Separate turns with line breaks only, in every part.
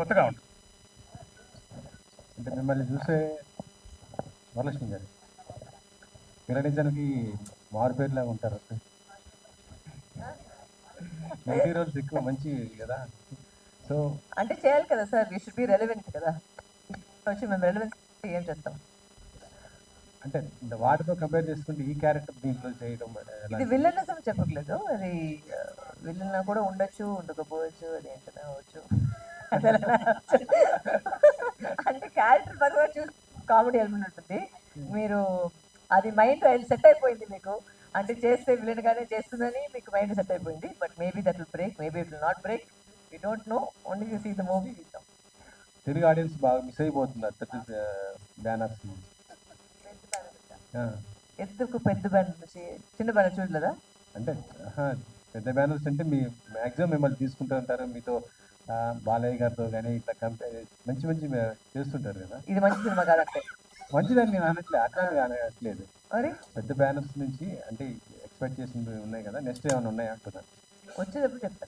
కొత్తగా ఉంటుంది.
అంటే మిమ్మల్ని చూసే వరలక్ష్మి గారు నిజానికి మారు పేరులాగా ఉంటారు. నెగిటివ్ రోల్స్ ఎక్కువ మంచి కదా. సో
అంటే చేయాలి కదా sir, we should be relevant కదా. వచ్చి మేము రెలవెన్స్ ఏం చేస్తాం.
అంటే వాటితో కంపేర్ చేసుకుంటే ఈ క్యారెక్టర్ దీంట్లో చేయడం
ఇది విలనిజం చెప్పట్లేదు, అది విలన్ కూడా ఉండొచ్చు, ఉండకపోవచ్చు, అది ఏంటనే అవ్వచ్చు. అంటే క్యారెక్టర్ పరంగా చూసి కామెడీ ఎలిమెంట్ ఉంటుంది. మీరు అది మైండ్ సెట్ అయిపోయింది మీకు, అంటే చేస్తే విలన్ గానే చేస్తుందని మీకు మైండ్ సెట్ అయిపోయింది. But maybe that will break, maybe it will not break, we don't know, only you see the movie.
Telugu audience బాగా మిస్ అయిపోతున్నారు బ్యానర్స్.
ఎందుకు పెద్ద బ్యానర్ నుంచి చిన్న బ్యానర్ చూడలేదా?
అంటే పెద్ద బ్యానర్స్ అంటే మీ మ్యాక్సిమం మిమ్మల్ని తీసుకుంటూ ఉంటారు, మీతో బాలయ్య గారితో కానీ ఇట్లా మంచి మంచి చేస్తుంటారు కదా.
ఇది మంచి సినిమా కాదంటే
మంచిదని నేను అనట్లేదు, అట్లా అనట్లేదు.
మరి
పెద్ద బ్యానర్స్ నుంచి అంటే ఎక్స్పెక్ట్ చేసినవి ఉన్నాయి కదా, నెక్స్ట్ ఏమైనా ఉన్నాయా అంటున్నాను.
వచ్చేటప్పుడు చెప్తాను.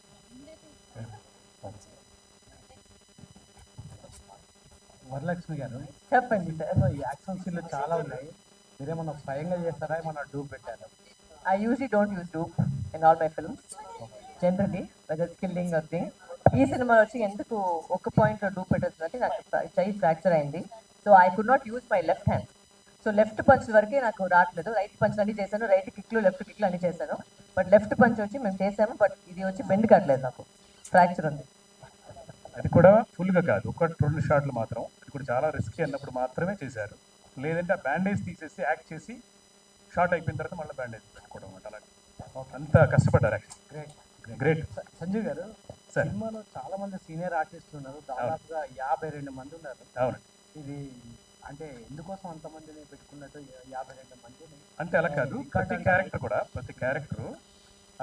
వరలక్ష్మి గారు
చెప్పండి సార్.
ఈ యాక్షన్ సీన్లు చాలా ఉన్నాయి, మీరేమన్నా స్వయంగా చేస్తారా, ఏమన్నా డూప్ పెట్టారా?
I usually don't use dupe in all my films. Generally, whether it's killing or thing. ఈ సినిమాలో వచ్చి ఎందుకు ఒక పాయింట్లో డూప్ పెట్టొచ్చిందంటే నాకు చెయ్యి ఫ్రాక్చర్ అయింది. So I could not use my left hand. So left punch వరకే నాకు రావట్లేదు. రైట్ పంచ్ అన్ని చేశాను, రైట్ కిక్లు లెఫ్ట్ కిక్లు అన్ని చేశాను. బట్ లెఫ్ట్ పంచ్ వచ్చి మేము చేసాము, బట్ ఇది వచ్చి బెండ్ కావట్లేదు, నాకు ఫ్రాక్చర్ ఉంది.
అది కూడా ఫుల్గా కాదు, ఒక 2 షాట్లు మాత్రం. అది కూడా చాలా రిస్కీ అన్నప్పుడు మాత్రమే చేశారు. లేదంటే ఆ బ్యాండేజ్ తీసేసి యాక్ట్ చేసి షార్ట్ అయిపోయిన తర్వాత మళ్ళీ బ్యాండేజ్ పెట్టుకోవడం అనమాట. అలాగే అంత కష్టపడ్డారు యాక్చువల్లీ. గ్రేట్.
సంజీవ్ గారు,
సార్
సినిమాలో చాలా మంది సీనియర్ ఆర్టిస్టులు ఉన్నారు, దాదాపుగా 52 మంది ఉన్నారు.
అవునండి.
ఇది అంటే ఎందుకోసం అంతమందిని పెట్టుకున్నట్టు 52 మందిని?
అంటే అలా కాదు, ప్రతి క్యారెక్టర్